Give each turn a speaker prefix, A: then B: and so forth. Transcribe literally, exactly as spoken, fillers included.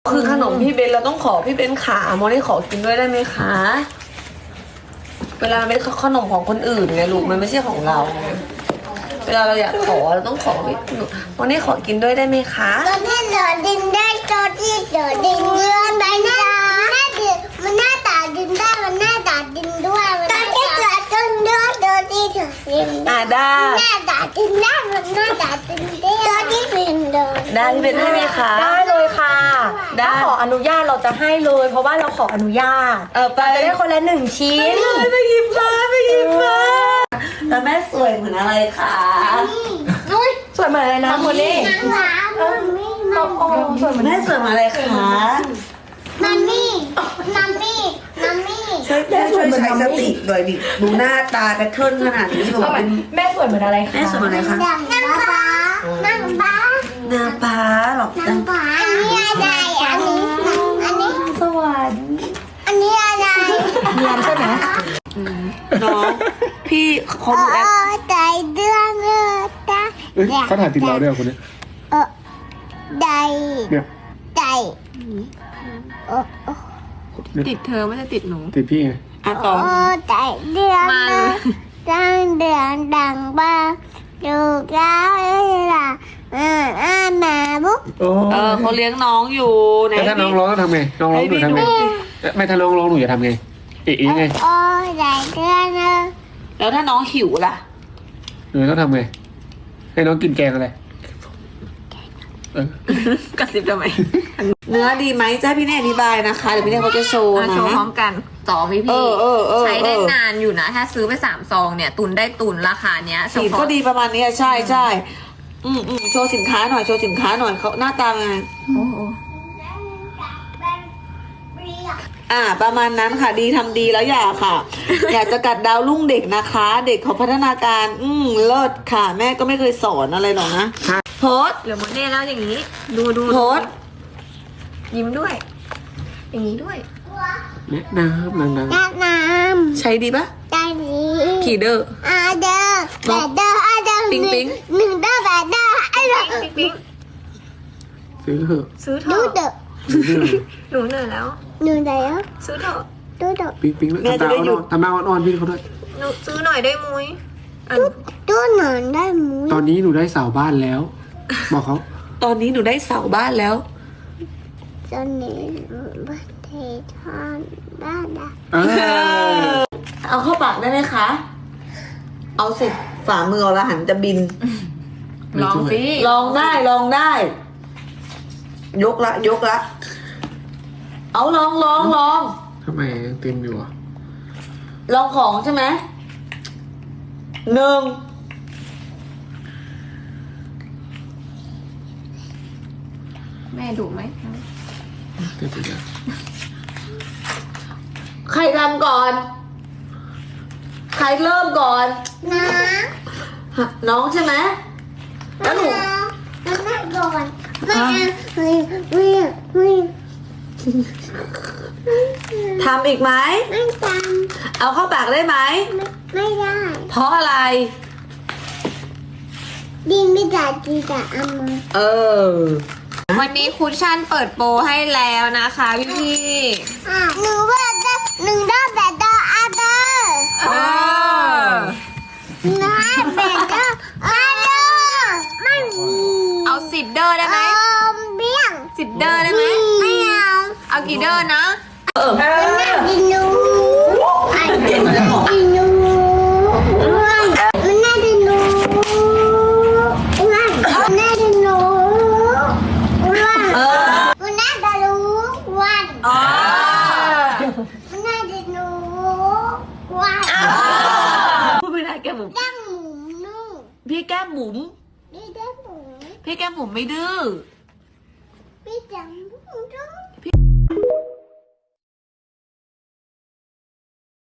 A: คือขนมพี่เบนเราต้องขอพี่เบนขาโมนี่ขอกินด้วยได้ไหมคะเวลาเป็นขนมของคนอื่นไงลูกมันไม่ใช่ของเราเวลาเราอยากขอเราต้องขอพี่โมนี่ขอกินด้วยได้ไหมคะ
B: ตัวที่เดือดดินได้ตัวที่เดือดดินเดือนไปนะมันหน้าตาดินได้มันหน้าตาดินด้วยตัวที่เดือดดินด้วยตัวที่เดือดดิน
A: อ่าได้
B: หน้าตาดินได้มันหน้าตาดินได้ตัวที่ดินเดิน
A: ได้พี่เบนให้ไหมคะ
C: ได้เลยค่ะถ้าขออนุญาตเราจะให้เลยเพราะว่าเราขออนุญาต
A: เออไป
C: จะได้คนละหนึ่งชิ้น
A: ไปหยิบมาไปหยิบมาแต่แม่สวยเหมือนอะไรคะ
C: สวยเหมือนอะไรนะคนนี้โอ้โหสวยเหมือน
A: แม่สวยเหมือนอะไรคะ
B: มัมมี่มัมมี่มัมมี่
A: ช่วยแม่ช่วยใช้สติหน่อยดิดูหน้าตาแพทเทิร์นขนาดนี้บอกเป็น
C: แม่สวยเหมือนอะไรคะ
A: แม่สวยเหมือนอะไรคะ
B: น้ำปลาน้ำปลา
A: หน้าป้าหรอก
B: น้ำปลาอันนี้อะไรอันนี้อันนี้
C: สวรรค์
B: อันนี้อะไร
C: เนียนใช่ไหม
A: น้องพี่เขา
B: โอ้
A: ดูแอป
B: ใจเดือดเลือดตา
D: เอ้ยเขาถ่ายติดเราด้วยเหรอคนนี้
B: เออใจ
D: เนี่ย
B: ใจโอ้โอ้
E: ติดเธอไม่ได้ติดหนู
D: ติดพี่ไง
A: อ่ะต่อ
B: โอ้ใจเดือดเลือดดังเดือดดังบ้าดูแล้วเอ้ยล่ะอ่าอ่าแม่บุ๊ก
D: โอ้
A: เออเขาเลี้ยงน้องอยู่ไหน
D: แต่ถ้าน้องร้องต้องทำไงน้องร้องหนูทำไงเอ๊ะไม่ถ้าน้องร้องหนูจะทำไงเอ๊ะยังไง
B: โอ้ใจเดือดเลือด
A: แล้วถ้าน้องหิวล่ะ
D: หนูต้องทำไงให้น้องกินแกงอะไรเออก
E: ระซิบทำไม
A: เนื้อดีไหมจ้าพี่เน่อธิบายนะคะเดี๋ยวพี่เน่เขาจะโชว์
E: มา
A: นะ
E: โชว์พร้อมกันสองพี่
A: เอ
E: พี่
A: อเออเออ
E: ใช้ได้
A: เออ
E: นานอยู่นะ ถ้าซื้อไปสามซองเนี่ย ตุนได้ตุนราคาเนี้ย
A: สีก็ดีประมาณนี้อะใช่ใช่อืมอืมโชว์สินค้าหน่อยโชว์สินค้าหน่อยเขาหน้าตาไง
E: โอ้โห
A: อ่า ประมาณนั้นค่ะดีทำดีแล้วอย่าค่ะ อยากจะกัดดาวรุ่งเด็กนะคะ เด็กเขาพัฒนาการ อืมเลิศค่ะ แม่ก็ไม่เคยสอนอะไรหรอกนะโพส
E: เหลือหมดเนี่ยแล้วอย่างนี้ ดูดู
A: โพส
E: ยิ้มด้วย อย่างนี้ด้วย
D: แนะน้ำดัง
B: น้ำน้
A: ใช้ดีปะ
B: ำใจดี
A: ขี่เดอร์
B: อาเดอร์แบดเดอร์อาเดอร์
A: ปิ๊งปิ๊ง
B: หนึ่งเดอร์แบดเดอร์ไอ้เดอร์
E: ปิ๊งปิ๊ง
D: ๆซื้อเถอะ
E: ซื้อเถ
B: ดู
E: อะ
B: เดอร์
D: ซื้อเถอะ
E: หนูเหนื่อยแล้ว
B: หนึ่งเดอร์
E: ซื้อเถอะ
B: ดูเดอร์
D: ปิ๊งปิ๊งแล้วทำตาอ่อนๆทำตาอ่อนๆพี่เขาด้วย
E: หนูซื้อหน่อยได้มุ้ยอัน
B: ดูหนอนได้หมู
D: ตอนนี้หนูได้เสาบ้านแล้ว บอกเขา
A: ตอนนี้หนูได้เสาบ้านแล้ว
B: ตอนนี้ประเทศทอนบ้านได้
D: เออ
A: เอาเข้าปากได้ไหมคะ เอาสิฝ่ามือละหันจะบิน
E: ลองสิ
A: ลองได้ลองได้ ยกละยกละ เอาลองลองลอง
D: ทำไมยังเต็มอยู่อ่ะ
A: ลองของใช่ไหมหนึ่ง
E: แม่ดุไหม
D: เต็มไปแล้ว
A: ใครทำก่อน ใครเริ่มก่อน
B: น้
A: น้องใช่ไหม
B: ำ
A: แล้วหนู
B: น้ำน้ำก่อนไม่ไม่ไม่ไม่
A: ทำอีกไหม
B: ไม่จ
A: เอาเข้าปากได้ไหม
B: ำไม่ได้
A: เพราะอะไร
B: ดินไม่จ่ายจีจ่ายเอามือ
A: เออ
E: วันนี้คุชชั่นเปิดโปรให้แล้วนะคะพี่พี่
B: อ่ะหนึ่งว่าจะหนึ่งได้แบดเดอร์อาเดอร์
E: เออ
B: น้าแบดเดอร์อาเดอร์ไม่มี
E: เอาสิบเดอร์ได้ไหม
B: เอาเบี้ยง
E: สิบเดอร์ได้ไหม
B: ไม่เอา
E: เอากี่เดอร์นะ
A: เออ
B: ดินูไอ้ดินูมันน่าดินูวันมันน่าดินูวัน
A: เออ
B: มันน่าดินูวัน
A: อ๋อ
B: มันน่าดินูวัน
A: พูดไม่ได้แก้มหมุม
B: ดังหมูนุ่ง
A: พี่แก้มหมุม
B: พี่ดังหมู
A: พี่แก้มหมุมไม่ดื้อ
B: พี่ดังหมูนุ่ง